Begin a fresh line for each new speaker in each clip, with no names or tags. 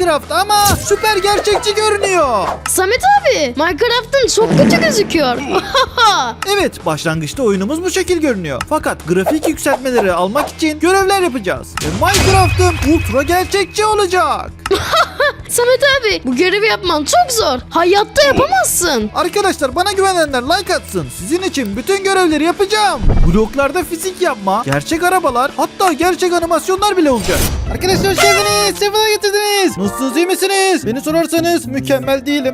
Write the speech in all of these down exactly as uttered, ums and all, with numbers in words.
Minecraft ama süper gerçekçi görünüyor.
Samet abi, Minecraft'ın çok kötü gözüküyor.
Evet, başlangıçta oyunumuz bu şekil görünüyor. Fakat grafik yükseltmeleri almak için görevler yapacağız. Ve Minecraft'ın ultra gerçekçi olacak.
Samet abi, bu görevi yapman çok zor. Hayatta yapamazsın.
Arkadaşlar, bana güvenenler like atsın. Sizin için bütün görevleri yapacağım. Bloklarda fizik yapma, gerçek arabalar, hatta gerçek animasyonlar bile olacak. Arkadaşlar hoş geldiniz. Sefalar getirdiniz. Nasılsınız, iyi misiniz? Beni sorarsanız mükemmel değilim.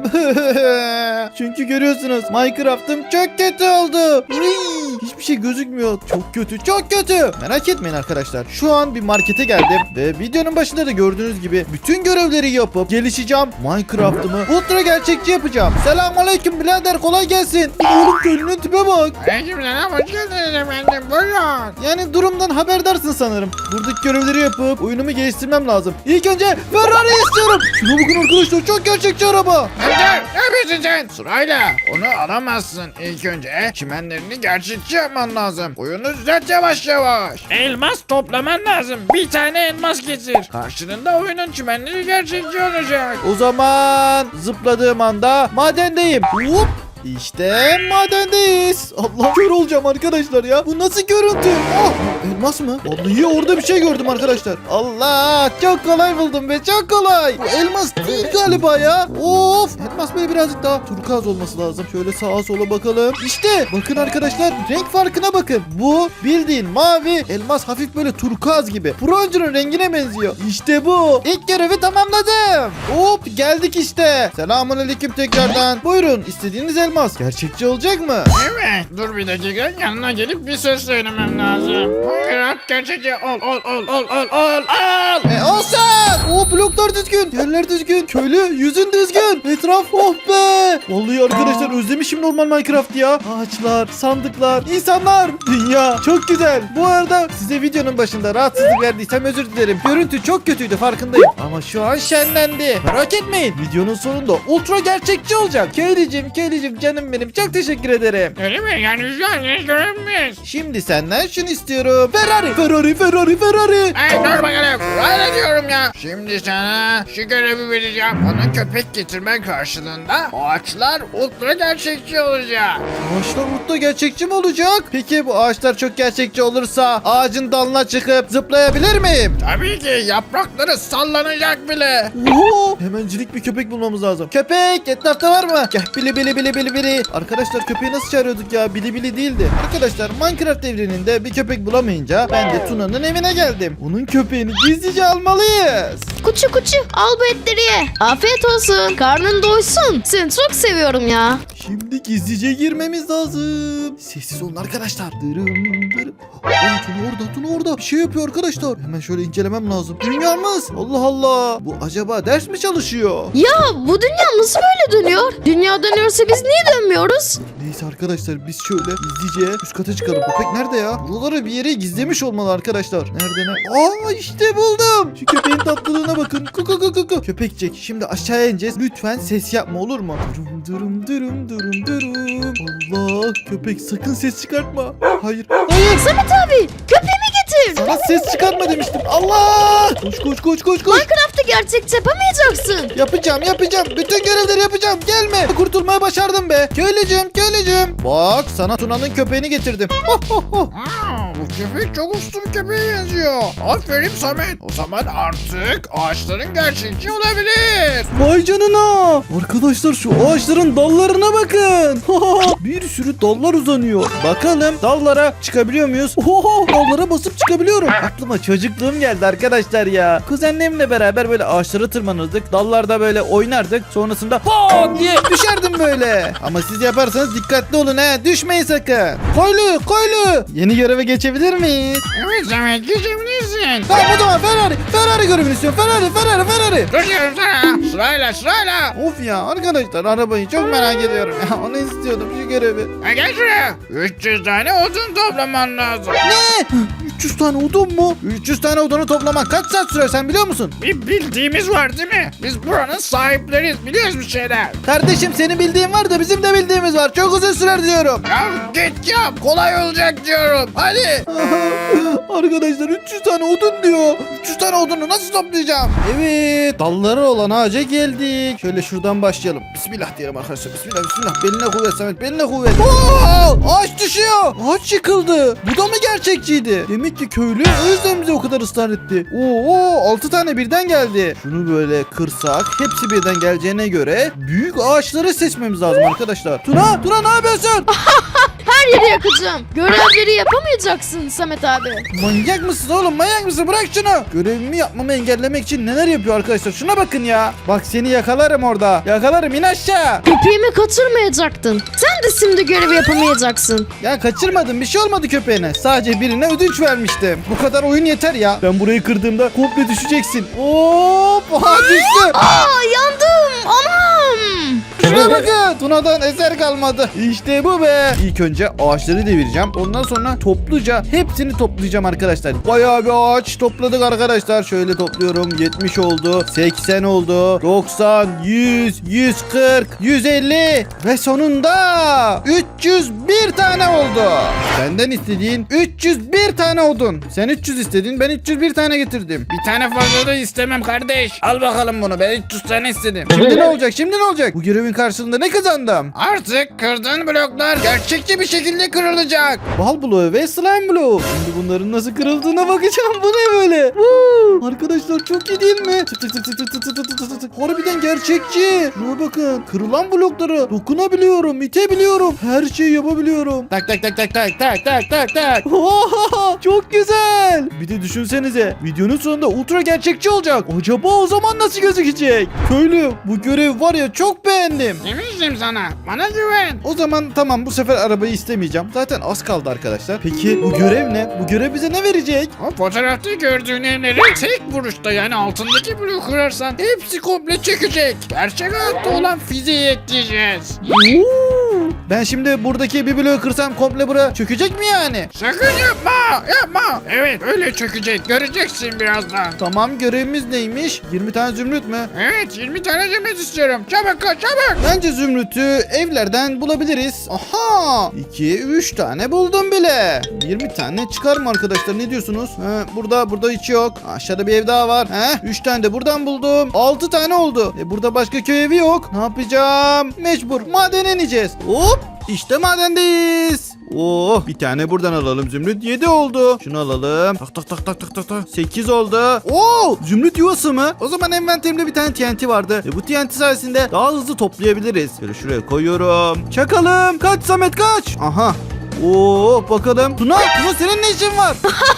Çünkü görüyorsunuz Minecraft'ım çok kötü oldu. Hiçbir şey gözükmüyor. Çok kötü, çok kötü. Merak etmeyin arkadaşlar. Şu an bir markete geldim ve videonun başında da gördüğünüz gibi bütün görevleri yapıp gelişeceğim. Minecraft'ımı ultra gerçekçi yapacağım. Selamünaleyküm birader, kolay gelsin. Oğlum köylünün tipe bak.
Aleykümselam, hoş geldiniz efendim, buyurun.
Yani durumdan haberdarsın sanırım. Buradaki görevleri yapıp oyunumu geliştirmem lazım. İlk önce Ferrari istiyorum. Şuna bakın arkadaşlar, çok gerçekçi araba.
Dur, ne yapıyorsun sen? Sırayla onu alamazsın. İlk önce çimenlerini gerçekçi yapman lazım. Oyunu düzelt yavaş yavaş. Elmas toplaman lazım. Bir tane elmas getir. Karşılığında oyunun çimenleri gerçekçi olacak.
O zaman zıpladığım anda madendeyim. Hop. İşte madendeyiz. Allah, kör olacağım arkadaşlar ya. Bu nasıl görüntü? Ah, elmas mı? Vallahi orada bir şey gördüm arkadaşlar. Allah, çok kolay buldum be, çok kolay. Bu elmas değil galiba ya. Of, elmas böyle birazcık daha turkuaz olması lazım. Şöyle sağa sola bakalım. İşte bakın arkadaşlar, renk farkına bakın. Bu bildiğin mavi, elmas hafif böyle turkuaz gibi. Bronzunun rengine benziyor. İşte bu. İlk görevi tamamladım. Hop, geldik işte. Selamünaleyküm tekrardan. Buyurun, istediğiniz elmas. Gerçekçi olacak mı?
Evet, dur bir dakika, yanına gelip bir söz söylemem lazım. Buyurun, gerçekçi ol ol ol ol ol ol ol.
E olsun. O bloklar düzgün. Yerler düzgün. Köylü yüzün düzgün. Etraf oh be. Vallahi arkadaşlar özlemişim normal Minecraft ya. Ağaçlar, sandıklar, insanlar. Dünya çok güzel. Bu arada size videonun başında rahatsızlık verdiysem özür dilerim. Görüntü çok kötüydü, farkındayım. Ama şu an şenlendi. Merak etmeyin. Videonun sonunda ultra gerçekçi olacak. Köylücüm, köylücüm, canım benim. Çok teşekkür ederim.
Öyle mi? Yani şu an ne görünmüyoruz?
Şimdi senden şunu istiyorum. Ferrari, Ferrari, Ferrari, Ferrari.
Ay dur bakalım. Öyle diyorum ya. Şimdi sana şu görevi vereceğim. Bana köpek getirmen karşılığında ağaçlar ultra gerçekçi olacak.
Ağaçlar ultra gerçekçi mi olacak? Peki bu ağaçlar çok gerçekçi olursa ağacın dalına çıkıp zıplayabilir miyim?
Tabii ki, yaprakları sallanacak bile.
Oo, hemencilik bir köpek bulmamız lazım. Köpek etrafta var mı? Gel, bili bili bili bili bili. Arkadaşlar köpeği nasıl çağırıyorduk ya? Bili bili değildi. Arkadaşlar Minecraft evreninde bir köpek bulamayınca ben de Tuna'nın evine geldim. Onun köpeğini gizlice almalıyız.
Kuçu kuçu, al bu etleri ye. Afiyet olsun, karnın doysun. Seni çok seviyorum ya.
Şimdi gizlice girmemiz lazım. Sessiz olun arkadaşlar. Dırım dırım. Aa, Tuna orada, Tuna orada. Bir şey yapıyor arkadaşlar. Hemen şöyle incelemem lazım. Dünyamız. Allah Allah. Bu acaba ders mi çalışıyor?
Ya bu dünya nasıl böyle dönüyor? Dünya dönüyorsa biz niye dönmüyoruz?
Neyse arkadaşlar, biz şöyle gizlice üst kata çıkalım. Köpek nerede ya? Buraları bir yere gizlemiş olmalı arkadaşlar. Nerede ne? Aa, işte buldum. Şu köpeğin tatlılığına bakın. Kuku kuku kuku. Köpekçik, şimdi aşağıya ineceğiz. Lütfen ses yapma, olur mu? Durum durum durum durum durum. Allah, köpek sakın ses çıkartma. Hayır. Hayır.
Samet abi, köpeğimi getir.
Sana ses çıkartma demiştim. Allah! Koş koş koş koş koş.
Minecraft'ı gerçekçi yapamayacaksın.
Yapacağım yapacağım. Bütün görevleri yapacağım. Gelme. Kurtulmaya başardım be. Köylücüm köylücüm. Bak, sana Tuna'nın köpeğini getirdim. Ho, ho, ho.
Aa, bu köpek çok uslu bir köpeğe benziyor. Aferin Samet. O zaman artık ağaçların gerçekçi olabilir.
Vay canına. Arkadaşlar şu ağaçların dallarına bakın. Bir sürü dallar uzanıyor. Bakalım dallara çıkabiliyor muyuz? Oho, dallara basıp çıkabiliyorum. Aklıma çocukluğum geldi arkadaşlar ya. Kuzenlerimle beraber böyle ağaçlara tırmanırdık. Dallarda böyle oynardık. Sonrasında ho diye düşerdim böyle. Ama siz yaparsanız dikkatli olun he. Düşmeyin sakın. Koylu koylu. Yeni göreve geçebilir miyiz?
Evet Samet, geçebilirsin.
Tamam o zaman Ferrari. Ferrari görevini istiyorum. Ferrari Ferrari Ferrari.
Dur diyorum sana. Sırayla sırayla.
Of ya arkadaşlar, arabayı çok merak ediyorum ya. Onu istiyordum, şu görevi.
Ha, gel şuraya. üç yüz tane odun toplaman lazım.
Ne? üç yüz tane odun mu? üç yüz tane odunu toplamak kaç saat sürer sen biliyor musun?
Bir bildiğimiz var değil mi? Biz buranın sahipleriyiz. Biliyoruz bir şeyler.
Kardeşim senin bildiğin var da bizim de bildiğimiz var. Çok uzun sürer diyorum.
Ya git yap. Kolay olacak diyorum. Hadi.
Arkadaşlar üç yüz tane odun diyor. üç yüz tane odunu nasıl toplayacağım? Evet, dalları olan ağaca geldik. Şöyle şuradan başlayalım. Bismillah diyelim arkadaşlar. Bismillah bismillah. Beline kuvvet Samet. Beline kuvvet. Oo! Ağaç düşüyor. Ağaç yıkıldı. Bu da mı gerçekçiydi? Demek ki köylü o yüzden bize o kadar ısrar etti. Oo, altı tane birden geldi. Şunu böyle kırsak hepsi birden geleceğine göre büyük ağaçları seçmemiz lazım arkadaşlar. Tuna, Tuna ne yapıyorsun?
Her yeri yakacağım. Görevleri yapamayacaksın Samet abi.
Manyak mısın oğlum, manyak mısın? Bırak şunu. Görevimi yapmamı engellemek için neler yapıyor arkadaşlar, şuna bakın ya. Bak seni yakalarım orada. Yakalarım, in aşağı.
İpiğimi kaçırmayacaktın. Sen de şimdi görevi yapamayacaksın.
Ya kaçırmadım, bir şey olmadı köpeğine. Sadece birine ödünç vermiştim. Bu kadar oyun yeter ya. Ben burayı kırdığımda komple düşeceksin. Hop, aha düştü.
Aa yandım. Anam.
Şuna bakın. Tuna'dan eser kalmadı. İşte bu be. İlk önce ağaçları devireceğim. Ondan sonra topluca hepsini toplayacağım arkadaşlar. Bayağı bir ağaç topladık arkadaşlar. Şöyle topluyorum. yetmiş oldu. seksen oldu. doksan, yüz, yüz kırk, yüz elli ve sonunda üç yüz bir tane oldu. Senden istediğin üç yüz bir tane odun. Sen üç yüz istedin, ben üç yüz bir tane getirdim.
Bir tane fazla da istemem kardeş. Al bakalım bunu. Ben üç yüz tane istedim.
Şimdi ne olacak? Şimdi ne olacak? Bu görevin karşılığında ne kazandım?
Artık kırdığın bloklar gerçekçi bir şekilde kırılacak.
Bal bloğu ve slime bloğu. Şimdi bunların nasıl kırıldığına bakacağım. Bu ne böyle? Woo! Arkadaşlar çok iyi değil mi? Tık tık tık tık tık tık tık tık tık tık tık. Harbiden gerçekçi. Şuna bakın. Kırılan blokları dokunabiliyorum, itebiliyorum. Her şeyi yapabiliyorum. Tak tak tak tak tak tak tak tak tak. Oha, çok güzel. Bir de düşünsenize. Videonun sonunda ultra gerçekçi olacak. Acaba o zaman nasıl gözükecek? Köylü, bu görev var ya, çok beğendim.
Demiştim sana. Bana güven.
O zaman tamam, bu sefer arabayı istemeyeceğim. Zaten az kaldı arkadaşlar. Peki bu görev ne? Bu görev bize ne verecek?
O fotoğrafta gördüğün evleri tek vuruşta, yani altındaki bloğu kırarsan hepsi komple çökecek. Gerçek hayatta olan fiziği ekleyeceğiz.
Oo! Ben şimdi buradaki bir bloğu kırsam komple bura çökecek mi yani?
Sakın yapma, yapma. Evet, öyle çökecek. Göreceksin birazdan.
Tamam, görevimiz neymiş? yirmi tane zümrüt mü?
Evet, yirmi tane zümrüt istiyorum. Çabuk kaç, çabuk.
Bence zümrütü evlerden bulabiliriz. Aha! iki, üç tane buldum bile. yirmi tane çıkar mı arkadaşlar? Ne diyorsunuz? He, burada burada hiç yok. Aşağıda bir ev daha var. He, üç tane de buradan buldum. altı tane oldu. E, burada başka köy evi yok. Ne yapacağım? Mecbur madene ineceğiz. Hop! İşte madendeyiz. Oh, bir tane buradan alalım zümrüt. yedi oldu. Şunu alalım. Tak tak tak tak tak tak tak. sekiz oldu. Oo, zümrüt yuvası mı? O zaman envanterimde bir tane T N T vardı. Ve bu T N T sayesinde daha hızlı toplayabiliriz. Şöyle şuraya koyuyorum. Çakalım. Kaç Samet, kaç. Aha. Oo, bakalım. Tuna, Tuna senin ne işin var?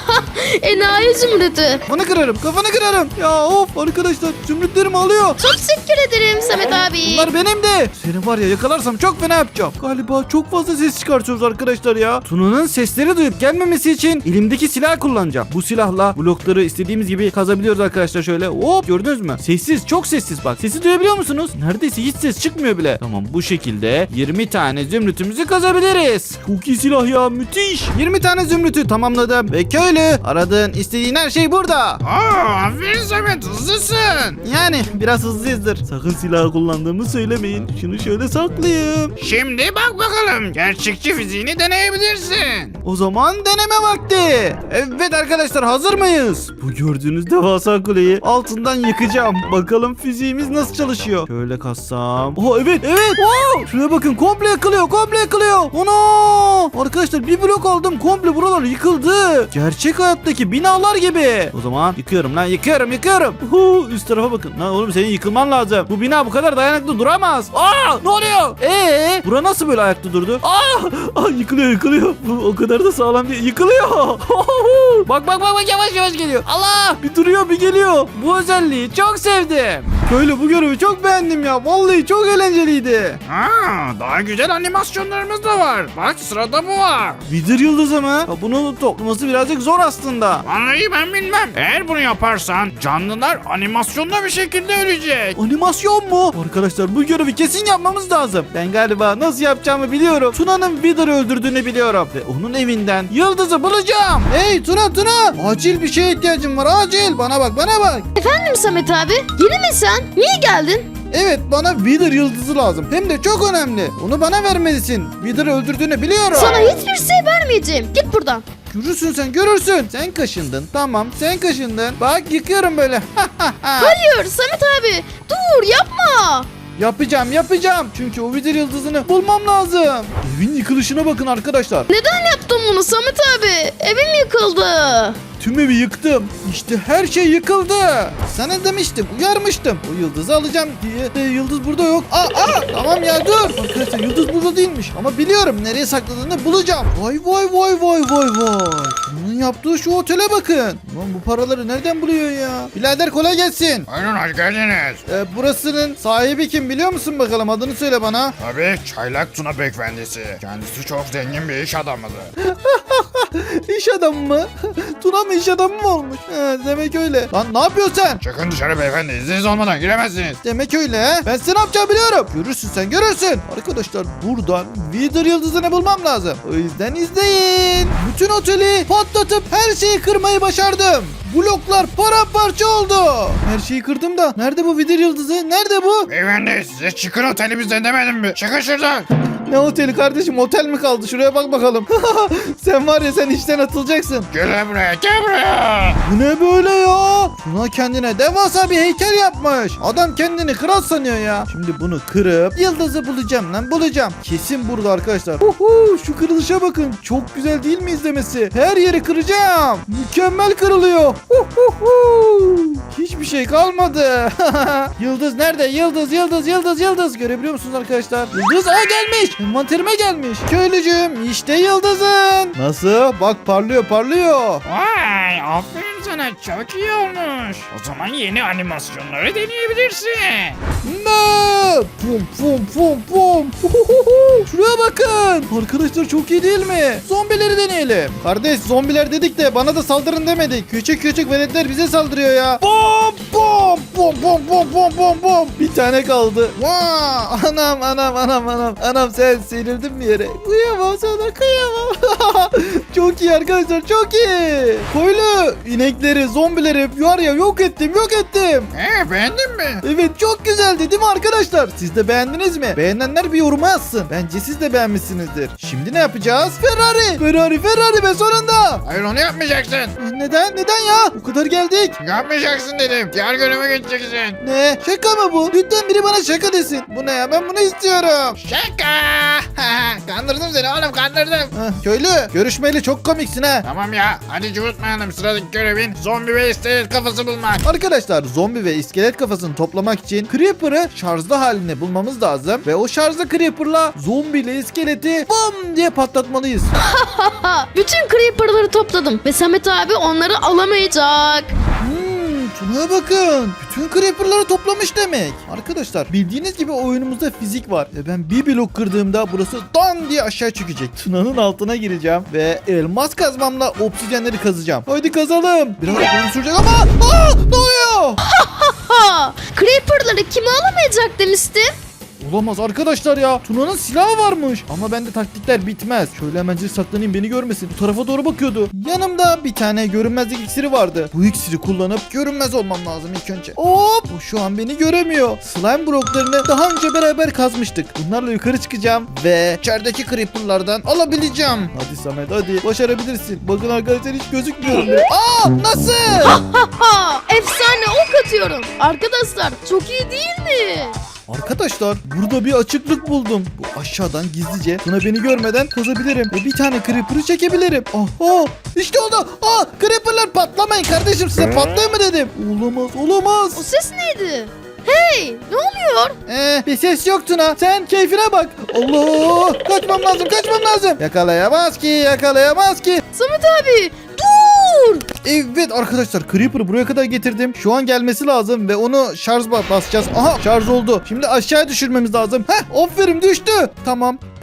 Enayi zümrütü.
Kafanı kırarım, kafanı kırarım. Ya of arkadaşlar, zümrütlerimi alıyor.
Çok teşekkür ederim Samet abi.
Bunlar benim de. Seni var ya, yakalarsam çok fena yapacağım. Galiba çok fazla ses çıkartıyoruz arkadaşlar ya. Tuna'nın sesleri duyup gelmemesi için elimdeki silah kullanacağım. Bu silahla blokları istediğimiz gibi kazabiliyoruz arkadaşlar şöyle. Hop, gördünüz mü? Sessiz, çok sessiz bak. Sesi duyabiliyor musunuz? Neredeyse hiç ses çıkmıyor bile. Tamam, bu şekilde yirmi tane zümrütümüzü kazabiliriz. Çok iyi silah ya, müthiş. yirmi tane zümrütü tamamladım. Ve köylü, aradığın istediğin her şey burada.
Aa, aferin Samet, hızlısın.
Yani biraz hızlıyızdır. Sakın silah kullandığımı söylemeyin. Şunu şöyle saklayayım.
Şimdi bak bakalım, gerçekçi fiziğini deneyebilirsin.
O zaman deneme vakti. Evet arkadaşlar, hazır mıyız? Bu gördüğünüz devasa kuleyi altından yıkacağım. Bakalım fiziğimiz nasıl çalışıyor. Şöyle kassam. Oh evet evet. Wow! Şuraya bakın, komple yıkılıyor, komple yıkılıyor. Ana! Arkadaşlar bir blok aldım, komple buralar yıkıldı. Gerçek hayattaki binalar gibi. O zaman yıkıyorum lan, yıkıyorum yıkıyorum. Uhu, üst tarafa bakın. Lan oğlum, senin yıkılman lazım. Bu bina bu kadar dayanıklı duramaz. Aa, ne oluyor? Ee, bura nasıl böyle ayakta durdu? Aa, aa yıkılıyor yıkılıyor. Bu o kadar da sağlam değil. Yıkılıyor. Bak bak bak bak, yavaş yavaş geliyor. Allah, bir duruyor bir geliyor. Bu özelliği çok sevdim. Böyle bu görevi çok beğendim ya. Vallahi çok eğlenceliydi.
Aa, daha güzel animasyonlarımız da var. Bak, sırada bu var.
Wither yıldızı mı? Ya bunu toplaması birazcık zor aslında.
Vallahi ben bilmem. Eğer bunu yaparsan canlılar animasyonda bir şekilde ölecek.
Animasyon mu? Arkadaşlar bu görevi kesin yapmamız lazım. Ben galiba nasıl yapacağımı biliyorum. Tuna'nın Wither'ı öldürdüğünü biliyorum. Ve onun evinden yıldızı bulacağım. Hey Tuna Tuna! Acil bir şeye ihtiyacım var. Acil. Bana bak bana bak.
Efendim Samet abi? Yeni mi sen? Niye geldin?
Evet bana Wither yıldızı lazım. Hem de çok önemli. Onu bana vermelisin. Wither'ı öldürdüğünü biliyorum.
Sana hiçbir şey vermeyeceğim. Git buradan.
Görürsün sen görürsün. Sen kaşındın. Tamam sen kaşındın. Bak yıkıyorum böyle.
Hayır Samet abi. Dur yapma.
Yapacağım yapacağım. Çünkü o Wither yıldızını bulmam lazım. Evin yıkılışına bakın arkadaşlar.
Neden yaptın bunu Samet abi? Evim yıkıldı.
Tüm evi yıktım. İşte her şey yıkıldı. Sana demiştim, uyarmıştım. O yıldızı alacağım diye. E, yıldız burada yok. Aa, aa, tamam ya dur. Arkadaşlar yıldız burada değilmiş. Ama biliyorum nereye sakladığını bulacağım. Vay vay vay vay vay vay. Bunun yaptığı şu otele bakın. Lan bu paraları nereden buluyor ya? Birader kolay gelsin.
Buyurun hoş geldiniz.
E, burasının sahibi kim biliyor musun bakalım? Adını söyle bana.
Tabii Çaylak Tuna Beyefendisi. Kendisi çok zengin bir iş adamıdır.
İş adamı mı? Tuna mı iş adamı mı olmuş? He, demek öyle. Lan ne yapıyorsun sen?
Çıkın dışarı beyefendi. İzniniz olmadan giremezsiniz.
Demek öyle he. Ben seni ne yapacağımı biliyorum. Görürsün sen görürsün. Arkadaşlar buradan Wither yıldızını bulmam lazım. O yüzden izleyin. Bütün oteli patlatıp her şeyi kırmayı başardım. Bloklar paramparça oldu. Her şeyi kırdım da. Nerede bu Wither yıldızı? Nerede bu?
Beyefendi size çıkın otelimizden demedim mi? Çıkın şuradan.
Ne oteli kardeşim? Otel mi kaldı? Şuraya bak bakalım. Sen var ya sen işten atılacaksın.
Gel buraya gel buraya.
Bu ne böyle ya? Tuna kendine devasa bir heykel yapmış. Adam kendini kral sanıyor ya. Şimdi bunu kırıp yıldızı bulacağım lan bulacağım. Kesin burada arkadaşlar. Uhu, şu kırılışa bakın. Çok güzel değil mi izlemesi? Her yeri kıracağım. Mükemmel kırılıyor. Uhuhu. Hiçbir şey kalmadı. Yıldız nerede? Yıldız yıldız yıldız yıldız. Görebiliyor musunuz arkadaşlar? Yıldız aa gelmiş. Envanterime gelmiş. Köylücüğüm işte yıldızın. Nasıl? Bak parlıyor parlıyor.
Vay aferin sana çok iyi olmuş. O zaman yeni animasyonları deneyebilirsin.
Ne? Pum pum pum pum. Uhuhu. Şuraya bakın. Arkadaşlar çok iyi değil mi? Zombileri deneyelim. Kardeş zombiler dedik de bana da saldırın demedik. Küçük küçük veletler bize saldırıyor ya. Bom bom bom bom bom bom bom bom. Bir tane kaldı. Vaa! Anam anam anam anam. Anam sen serildin mi yere? Kıyamam sana kıyamam. Çok iyi arkadaşlar çok iyi. Koylu inekleri zombileri var ya yok ettim yok ettim.
He beğendin mi?
Evet çok güzeldi değil mi arkadaşlar? Siz de beğendiniz mi? Beğenenler bir yoruma yazsın. Bence siz de beğenmişsinizdir. Şimdi ne yapacağız? Ferrari! Ferrari Ferrari be sonunda!
Hayır onu yapmayacaksın.
Neden? Neden ya? O kadar geldik.
Yapmayacaksın dedim. Diğer göreve geçeceksin.
Ne? Şaka mı bu? Lütfen biri bana şaka desin. Bu ne ya? Ben bunu istiyorum.
Şaka. Kandırdım seni oğlum kandırdım.
Heh, köylü görüşmeli çok komiksin ha.
Tamam ya hadi cıvıtmayalım sıradaki görevin zombi ve iskelet kafası bulmak.
Arkadaşlar zombi ve iskelet kafasını toplamak için Creeper'ı şarjlı halini bulmamız lazım. Ve o şarjlı Creeper'la zombi ile iskeleti bam diye patlatmalıyız.
Ha, bütün creeper'ları topladım ve Samet abi onları alamayacak.
Hmm, Tuna'ya bakın. Bütün creeper'ları toplamış demek. Arkadaşlar bildiğiniz gibi oyunumuzda fizik var. Ve ben bir blok kırdığımda burası dan diye aşağı çökecek. Tuna'nın altına gireceğim. Ve elmas kazmamla obsidyenleri kazacağım. Haydi kazalım. Biraz uzun sürecek ama. Aa, ne oluyor?
Ha, creeper'ları kime alamayacak demiştim?
Olamaz arkadaşlar ya. Tuna'nın silahı varmış. Ama bende taktikler bitmez. Şöyle hemencik saklanayım beni görmesin. Bu tarafa doğru bakıyordu. Yanımda bir tane görünmezlik iksiri vardı. Bu iksiri kullanıp görünmez olmam lazım ilk önce. Hop! O şu an beni göremiyor. Slime bloklarını daha önce beraber kazmıştık. Bunlarla yukarı çıkacağım ve içerideki creeper'lardan alabileceğim. Hadi Samet hadi. Başarabilirsin. Bakın arkadaşlar hiç gözükmüyorum bile. Aa! Nasıl?
Ha, efsane ok atıyorum. Arkadaşlar çok iyi değil mi?
Arkadaşlar burada bir açıklık buldum. Bu aşağıdan gizlice Tuna beni görmeden kazabilirim. Ve bir tane creeper'ı çekebilirim. Aha işte oldu. Aa creeper'lar patlamayın kardeşim size patlayın mı dedim. Olamaz olamaz.
O ses neydi? Hey, ne oluyor?
Ee, bir ses yok Tuna. Sen keyfine bak. Allah kaçmam lazım kaçmam lazım. Yakalayamaz ki yakalayamaz ki.
Samet abi, dur!
Evet arkadaşlar Creeper'ı buraya kadar getirdim. Şu an gelmesi lazım ve onu şarj basacağız. Aha şarj oldu. Şimdi aşağıya düşürmemiz lazım. Heh aferin düştü. Tamam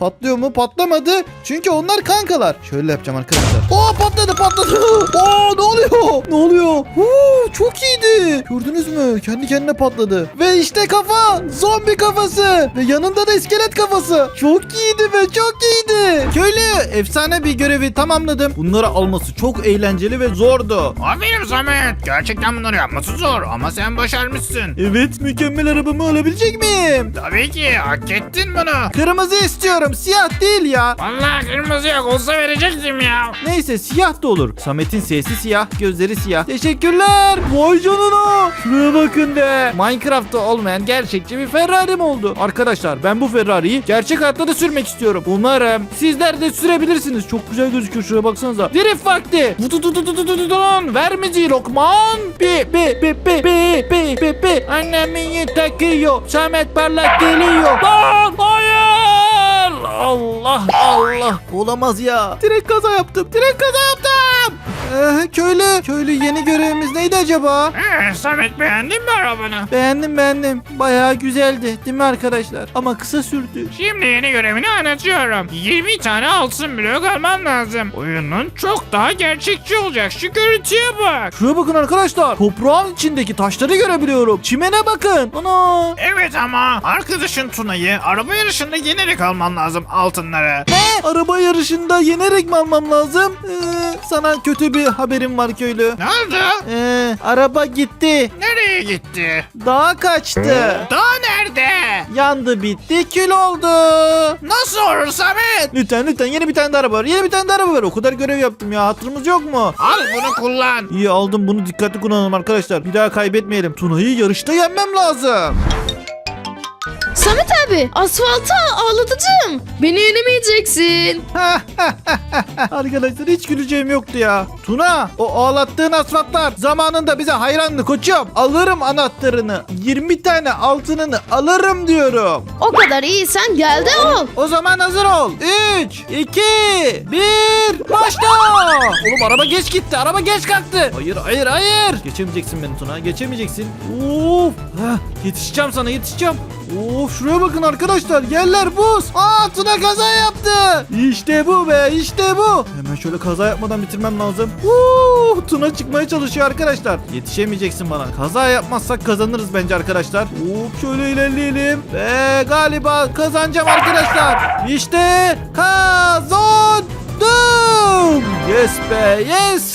Patlıyor mu? Patlamadı. Çünkü onlar kankalar. Şöyle yapacağım arkadaşlar. Oo patladı patladı. Oo ne oluyor? Ne oluyor? Huu, çok iyiydi. Gördünüz mü? Kendi kendine patladı. Ve işte kafa. Zombi kafası. Ve yanında da iskelet kafası. Çok iyiydi be çok iyiydi. Köylü efsane bir görevi tamamladım. Bunları alması çok eğlenceli ve zordu.
Aferin Samet. Gerçekten bunları yapması zor ama sen başarmışsın.
Evet mükemmel arabamı alabilecek miyim?
Tabii ki hak ettin bunu.
Kırmızı istiyorum siyah değil ya.
Vallahi kırmızı yok olsa verecektim ya.
Neyse siyah da olur. Samet'in sesi siyah, gözleri siyah. Teşekkürler. Vay canına. Şuraya bakın be. Minecraft'ta olmayan gerçekçi bir Ferrari'm oldu. Arkadaşlar ben bu Ferrari'yi gerçek hayatta da sürmek istiyorum. Umarım sizler de sürebilirsiniz. Çok güzel gözüküyor şuraya baksanıza. Drift vakti. Vutututututututun. Ver müziği Lokman. Bi bi bi bi bi bi bi bi. Annemin takıyor. Samet parlak geliyor. Lan hayır. Allah Allah. Olamaz ya. Direkt kaza yaptım. Direkt kaza yaptım. Ee, köylü. Köylü yeni görevimiz neydi acaba?
Ee, Samet beğendin mi arabanı?
Beğendim beğendim. Bayağı güzeldi değil mi arkadaşlar? Ama kısa sürdü.
Şimdi yeni görevini anlatıyorum. yirmi tane altın blok alman lazım. Oyunun çok daha gerçekçi olacak. Şu görüntüye bak.
Şuraya bakın arkadaşlar. Toprağın içindeki taşları görebiliyorum. Çimene bakın. Ana.
Evet ama arkadaşın Tuna'yı araba yarışında yenerek alman lazım altınları.
Ne? Araba yarışında yenerek mi almam lazım? Ee, sana kötü bir haberim var köylü.
Ne oldu?
Ee, araba gitti.
Nereye gitti?
Dağa kaçtı.
Daha nerede?
Yandı bitti kül oldu.
Nasıl olur Samet?
Lütfen lütfen yeni bir tane de araba var. Yeni bir tane de araba var. O kadar görev yaptım ya. Hatırımız yok mu?
Al bunu kullan.
İyi aldım bunu dikkatli kullanalım arkadaşlar. Bir daha kaybetmeyelim. Tuna'yı yarışta yenmem lazım.
Samet abi asfalta ağlatıcım. Beni yenemeyeceksin.
Arkadaşlar hiç güleceğim yoktu ya. Tuna o ağlattığın asfaltlar zamanında bize hayrandı koçum. Alırım anahtarını. yirmi tane altınını alırım diyorum.
O kadar iyisen gel de ol.
O zaman hazır ol. üç, iki, bir, başla. Oğlum araba geç gitti. Araba geç kalktı. Hayır hayır hayır. Geçemeyeceksin beni Tuna. Geçemeyeceksin. Of. Heh, yetişeceğim sana yetişeceğim. Of şuraya bakın arkadaşlar. Yerler buz. Aa Tuna kaza yaptı. İşte bu be işte bu. Hemen şöyle kaza yapmadan bitirmem lazım. Uuu, Tuna çıkmaya çalışıyor arkadaşlar. Yetişemeyeceksin bana. Kaza yapmazsak kazanırız bence arkadaşlar. Hop şöyle ilerleyelim. Ve galiba kazanacağım arkadaşlar. İşte kazandım. Yes be yes.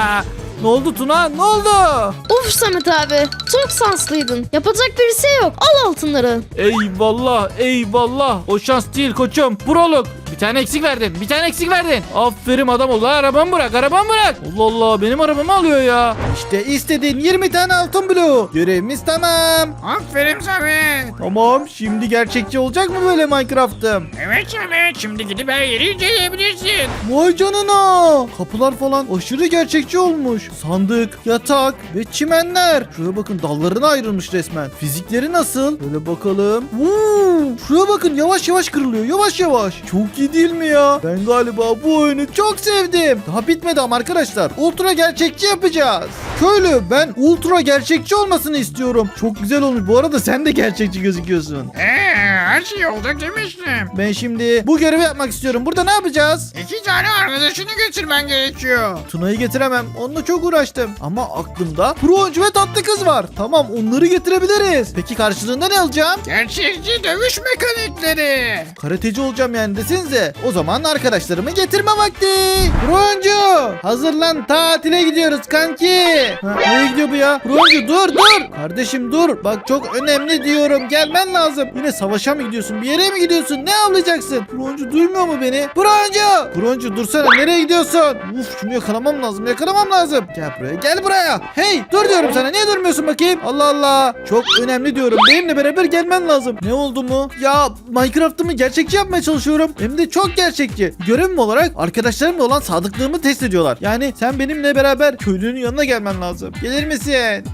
Ne oldu Tuna? Ne oldu?
Uf Samet abi çok şanslıydın. Yapacak bir şey yok. Al altınları.
Eyvallah eyvallah. O şans değil koçum. Prolog. Bir tane eksik verdin. Bir tane eksik verdin. Aferin adam ol. Arabamı bırak. Arabamı bırak. Allah Allah. Benim arabamı alıyor ya. İşte istediğin yirmi tane altın bloğu. Görevimiz tamam.
Aferin Samet.
Tamam. Şimdi gerçekçi olacak mı böyle Minecraft'ım?
Evet Samet şimdi gidip her yeri inceleyebilirsin.
Vay canına. Kapılar falan aşırı gerçekçi olmuş. Sandık, yatak ve çimenler. Şuraya bakın dallarına ayrılmış resmen. Fizikleri nasıl? Böyle bakalım. Uuu, şuraya bakın yavaş yavaş kırılıyor. Yavaş yavaş. Çok iyi değil mi ya? Ben galiba bu oyunu çok sevdim. Daha bitmedi ama arkadaşlar. Ultra gerçekçi yapacağız. Köylü ben ultra gerçekçi olmasını istiyorum. Çok güzel olmuş. Bu arada sen de gerçekçi gözüküyorsun.
Eee her şey olacak demiştim.
Ben şimdi bu görevi yapmak istiyorum. Burada ne yapacağız?
İki tane arkadaşını götürmen gerekiyor.
Tuna'yı getiremem. Onunla çok uğraştım. Ama aklımda pro oyuncu ve tatlı kız var. Tamam onları getirebiliriz. Peki karşılığında ne alacağım?
Gerçekçi dövüş mekanikleri.
Karateci olacağım yani desenize. O zaman arkadaşlarımı getirme vakti. Pro oyuncu hazırlan tatile gidiyoruz kanki. Ha, nereye gidiyor bu ya? Pro oyuncu dur dur. Kardeşim dur. Bak çok önemli diyorum. Gelmen lazım. Yine savaşa mı gidiyorsun? Bir yere mi gidiyorsun? Ne avlayacaksın? Pro oyuncu duymuyor mu beni? Pro oyuncu. Pro oyuncu dursana. Nereye gidiyorsun? Uf şunu yakalamam lazım. Yakalamam lazım. Gel buraya. Gel buraya. Hey dur diyorum sana. Niye durmuyorsun bakayım? Allah Allah. Çok önemli diyorum. Benimle beraber gelmen lazım. Ne oldu mu? Ya Minecraft'ımı gerçekçi yapmaya çalışıyorum. Hem de çok gerçekçi. Görevim olarak arkadaşlarımla olan sadıklığımı test ediyorlar. Yani sen benimle beraber köylünün yanına gelmen lazım. Gelir misin?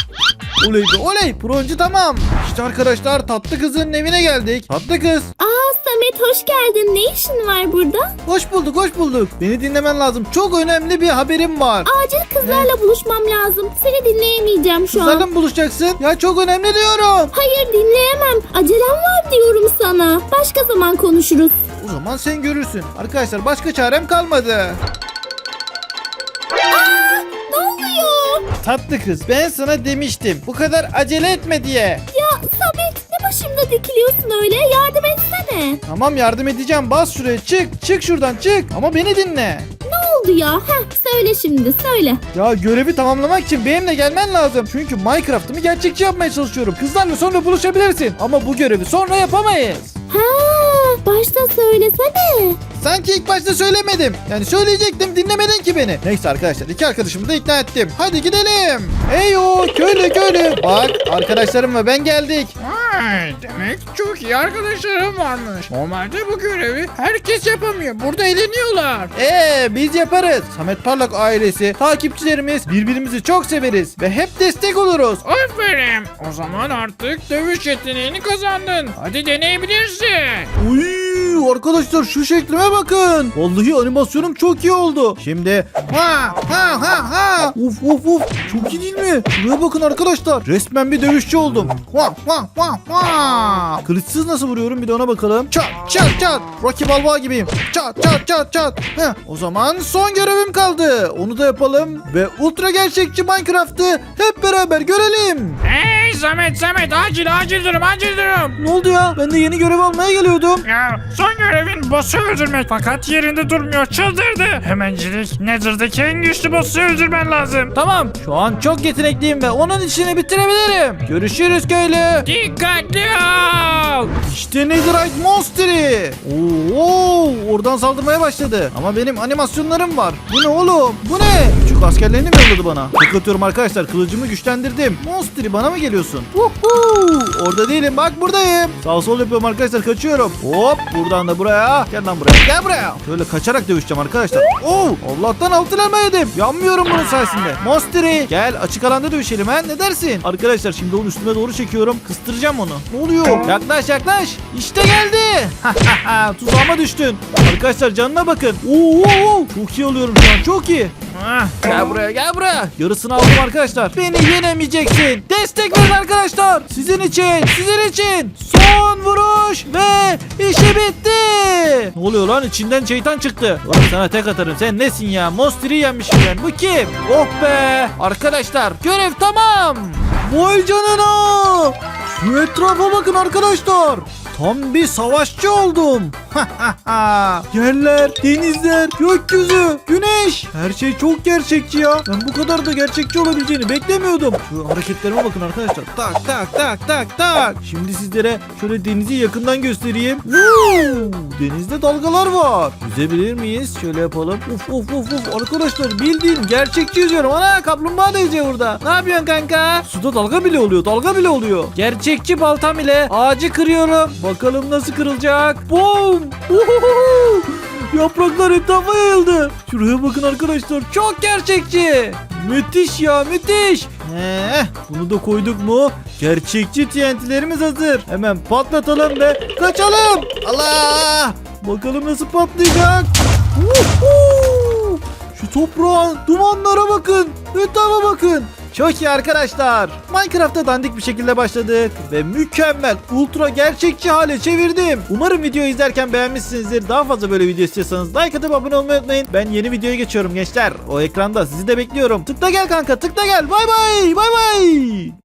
Oley be oley. Pro oyuncu tamam. İşte arkadaşlar tatlı kızın evine geldik. Tatlı kız.
Aa Samet hoş geldin. Ne işin var burada?
Hoş bulduk hoş bulduk. Beni dinlemen lazım. Çok önemli bir haberim var.
Acil kızlarla buluşmam lazım. Seni dinleyemeyeceğim şu
Kızlarla
an.
mı buluşacaksın? Ya çok önemli diyorum.
Hayır dinleyemem. Acelem var diyorum sana. Başka zaman konuşuruz.
O O zaman sen görürsün. Arkadaşlar başka çarem kalmadı.
Ne oluyor?
Tatlı kız, ben sana demiştim. Bu kadar acele etme diye.
Ya Samet ne başımda dikiliyorsun öyle? Yardım etsene.
Tamam, yardım edeceğim. Bas şuraya, çık. Çık şuradan, çık. Ama beni dinle.
Ne oldu ya? Heh, söyle şimdi söyle.
Ya görevi tamamlamak için benimle gelmen lazım. Çünkü Minecraft'ımı gerçekçi yapmaya çalışıyorum. Kızlarla sonra buluşabilirsin. Ama bu görevi sonra yapamayız.
Ha, başta söylesene.
Sanki ilk başta söylemedim. Yani söyleyecektim, dinlemedin ki beni. Neyse arkadaşlar, iki arkadaşımı da ikna ettim. Hadi gidelim. Eyo köylü köylü. Bak, arkadaşlarım ve ben geldik.
Vay, demek çok iyi arkadaşlarım varmış. Normalde bu görevi herkes yapamıyor. Burada eğleniyorlar.
Ee biz yaparız. Samet Parlak ailesi, takipçilerimiz, birbirimizi çok severiz ve hep destek oluruz.
Aferin. O zaman artık dövüş yeteneğini kazandın. Hadi deneyebilirsin.
Uy, arkadaşlar şu şeklime bakın. Vallahi animasyonum çok iyi oldu. Şimdi ha ha ha ha. Uf uf uf. Çok iyi değil mi? Şuraya bakın arkadaşlar. Resmen bir dövüşçü oldum. Ha ha ha ha. Kılıçsız nasıl vuruyorum bir de ona bakalım. Çat çat çat. Rocky Balboa gibiyim. Çat çat çat çat. Heh. O zaman son görevim kaldı. Onu da yapalım ve ultra gerçekçi Minecraft'ı hep beraber görelim.
Hey Samet Samet, acil acil durum acil durum.
Ne oldu ya? Ben de yeni görev almaya geliyordum.
Ya son görevin boss'u öldürmek, fakat yerinde durmuyor, çıldırdı. Hemencilik Nether'daki en güçlü boss'u öldürmen lazım.
Tamam. Şu an çok yetenekliyim ve onun işini bitirebilirim. Görüşürüz köylü.
Dikkatli ol.
İşte Netherite Monster'i. Oo, oradan saldırmaya başladı. Ama benim animasyonlarım var. Bu ne oğlum? Bu ne? Küçük askerlerini mi yolladı bana? Tek atıyorum arkadaşlar. Kılıcımı güçlendirdim. Monster'i bana mı geliyorsun? Uhu, orada değilim. Bak buradayım. Sağ sol yapıyorum arkadaşlar. Kaçıyorum. Hop, buradan da buraya. Gel lan buraya. Gel buraya. Şöyle kaçarak dövüşeceğim arkadaşlar. Oo, Allah'tan altın elma yedim. Yanmıyorum bunun sayesinde. Monster'i gel açık alanda dövüşelim ha. Ne dersin? Arkadaşlar şimdi onu üstüme doğru çekiyorum. Kıstıracağım onu. Ne oluyor? Yaklaş yaklaş. İşte geldi. Tuzağıma düştün. Arkadaşlar canına bakın. Oo, oo, çok iyi oluyorum şu an. Çok iyi.
Ah,
Gel buraya gel buraya. Yarısını aldım arkadaşlar. Beni yenemeyeceksin. Destek verin arkadaşlar. Sizin için sizin için. Son vuruş ve işi bitti. Ne oluyor lan? İçinden şeytan çıktı. Ulan sana tek atarım. Sen nesin ya? Monster'i yenmişim ben. Bu kim? Oh be. Arkadaşlar görev tamam. Vay canına. Şu etrafa bakın arkadaşlar. Tam bir savaşçı oldum. Yerler, denizler, gökyüzü, güneş. Her şey çok gerçekçi ya. Ben bu kadar da gerçekçi olabileceğini beklemiyordum. Şu hareketlerime bakın arkadaşlar. Tak tak tak tak tak. Şimdi sizlere şöyle denizi yakından göstereyim. Woo! Denizde dalgalar var. Yüzebilir miyiz? Şöyle yapalım. Uf uf uf uf. Arkadaşlar bildiğin gerçekçi yüzüyorum. Ana kaplumbağa da yüzüyor burada. Ne yapıyorsun kanka? Suda dalga bile oluyor. Dalga bile oluyor. Gerçekçi baltam ile ağacı kırıyorum. Bakalım nasıl kırılacak. Boom! Uhuhu! Yapraklar etrafa yayıldı. Şuraya bakın arkadaşlar. Çok gerçekçi. Müthiş ya müthiş. Heh, bunu da koyduk mu? Gerçekçi T N T'lerimiz hazır. Hemen patlatalım ve kaçalım. Allah! Bakalım nasıl patlayacak. Uhu! Şu toprağın dumanlara bakın. Etrafa bakın. Çok iyi arkadaşlar. Minecraft'ta dandik bir şekilde başladık ve mükemmel ultra gerçekçi hale çevirdim. Umarım videoyu izlerken beğenmişsinizdir. Daha fazla böyle video istiyorsanız like atıp abone olmayı unutmayın. Ben yeni videoya geçiyorum gençler. O ekranda sizi de bekliyorum. Tıkla gel kanka, tıkla gel. Bay bay. Bay bay.